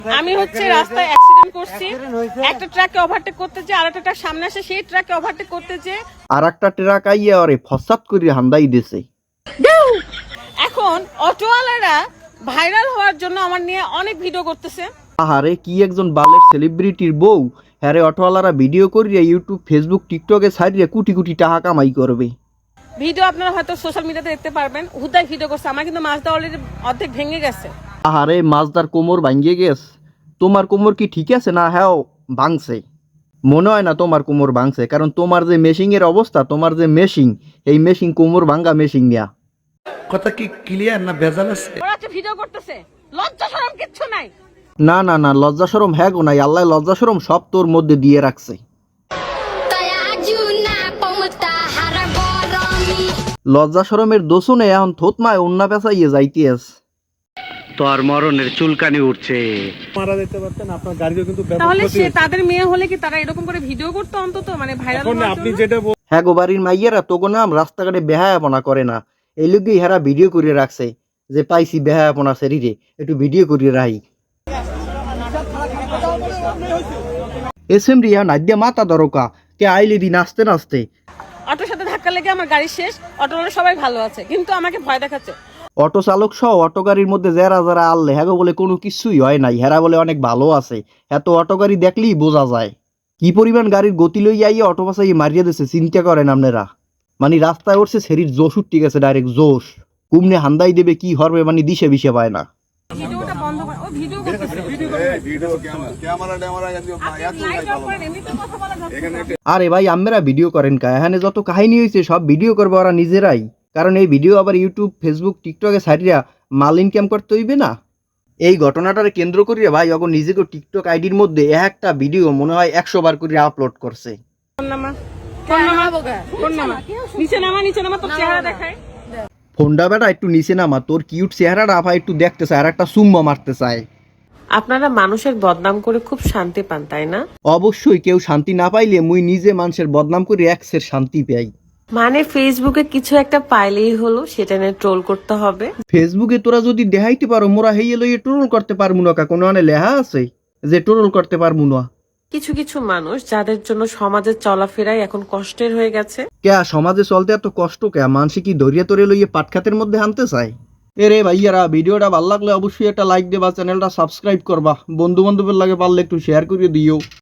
আমি হচ্ছে রাস্তায় অ্যাক্সিডেন্ট করছি, একটা ট্রাককে ওভারটেক করতে যে আরেকটা ট্রাক সামনে আসে, সেই ট্রাককে ওভারটেক করতে যে আর একটা ট্রাক আইয়া আরে ফসাদ করে হান্দাই দিছে। এখন অটোওয়ালারা ভাইরাল হওয়ার জন্য আমার নিয়ে অনেক ভিডিও করতেছে। আহারে কি একজন বালের সেলিব্রিটির বউ, হ্যারে অটোওয়ালারা ভিডিও করিয়া ইউটিউব ফেসবুক টিকটকে ছাড়িয়ে কোটি কোটি টাকা কামাই করবে। ভিডিও আপনারা হয়তো সোশ্যাল মিডিয়াতে দেখতে পারবেন, হুদাই ভিডিও করছে। আমার কিন্তু মাছটা অলরেডি অর্ধেক ভেঙে গেছে। আহারে মাছদার কোমর ভাঙ্গে গেছে। তোমার কোমর কি ঠিক আছে না হ্যাঁ ভাঙছে? মনে হয় না তোমার কোমর ভাঙছে, কারণ তোমার যে মেশিং এর অবস্থা, তোমার যে মেশিং, এই মেশিং কোমর ভাঙ্গা মেশিং নিয়া। কথা কি ক্লিয়ার না ভেজাল আছে? ওরা হচ্ছে ভিডিও করতেছে, লজ্জা শরম কিচ্ছু নাই। না না না, লজ্জা শরম হ্যাঁ গো নাই, আল্লাহ লজ্জা শরম সব তোর মধ্যে দিয়ে রাখছে। লজ্জা শরমের দোষণে এখন থোতমায় অন্য পেঁচাইয়ে যাইতেস। তোর মরণের চুলকানি উঠছে। মারা যেতে পারতেন, আপনার গাড়িও কিন্তু ব্যাপক তাহলে ক্ষতি সে হয়েছে। তাদের মেয়ে হলে কি তারা এরকম করে ভিডিও করতো অন্তত, মানে ভাইরাল এখন হওয়ার আপনি জন্য? যেটা হ্যাঁ গো বাড়ির মাইয়ারা তোগো নাম রাস্তাঘাটে বেহায়াপনা করে না, এই লোকই হেরা ভিডিও করিয়ে রাখছে যে পাইছি বেহায়াপনা শরীরে, একটু ভিডিও করিয়ে রাখি। এসএম রিয়া নাদ্যা মাথা দরকা কে আইলি দি নাচতে নাচতে। অটোর সাথে ধাক্কা লেগে আমার গাড়ি শেষ। অটোওয়ালা সবাই ভালো আছে, কিন্তু আমাকে ভয় দেখাচ্ছে। অটো চালক সহ অটো গাড়ির মধ্যে যারা যারা আনলে হ্যাঁ গো বলে কোনো কিছুই হয় নাই, হেরা বলে অনেক ভালো আছে। এত অটো গাড়ি দেখলেই বোঝা যায় কি পরিমাণ গাড়ির গতি লইয়া আইয়া অটো পাশাই মারিয়ে দিচ্ছে। চিন্তা করেন আপনারা, মানে রাস্তায় উঠছে শরীর জোশ উঠতে গেছে, ডাইরেক্ট জোশ। কুমনে হান্দাই দেবে কি হরবে, মানে দিশে বিশে পায় না। ভিডিওটা বন্ধ করে, ও ভিডিও করতেছে। আপনি লাইট অফ করেন, এমনিতে কথা বলা যাচ্ছে না। আরে ভাই আমরা ভিডিও করেন কা, এখানে যত কাহিনী হয়েছে সব ভিডিও করবে ওরা নিজেরাই, কারণ এই ভিডিও আবার ইউটিউব ফেসবুক টিকটকে ছাড়িয়া মাল ইনকাম করতে হইবে না। এই ঘটনাটারে কেন্দ্র করিয়া ভাই অগর নিজেকে টিকটক আইডির মধ্যে একটা ভিডিও মনে হয় 100 বার করে আপলোড করছে। কোন নামা? কোন নামা? কোন নামা? নিচে নামা, নিচে নামা, তোর চেহারা দেখাই। ফোনটা বেটা একটু নিচে নামা, তোর কিউট চেহারাটা আফা একটু দেখতে চায় আর একটা চুম্মা মারতে চায়। আপনারা মানুষের বদনাম করে খুব শান্তি পান, তাই না? অবশ্যই, কেউ শান্তি না পাইলে মুই নিজে মানুষের বদনাম করে একসের শান্তি পাই। মানে ফেসবুকে কিছু একটা পাইলেই হলো সেটা নিয়ে ট্রোল করতে হবে। ফেসবুকে তোরা যদি দেখাইতে পারো মোরা হেয়ে লইয়ে ট্রোল করতে পারবো না, কোনো আনে লেহা আছে যে ট্রোল করতে পারবো না? কিছু কিছু মানুষ যাদের জন্য সমাজের চলাফেরাই এখন কষ্টের হয়ে গেছে। কে সমাজে চলতে এত কষ্ট কে? মানুষ কি দরিয়া তরে লইয়ে পাটখাতের মধ্যে আনতে চায়? এরে ভাইয়ারা, ভিডিওটা ভালো লাগলে অবশ্যই একটা লাইক দেবা, চ্যানেলটা সাবস্ক্রাইব করবা, বন্ধু বান্ধবের লাগে পারলে একটু শেয়ার করে দিও।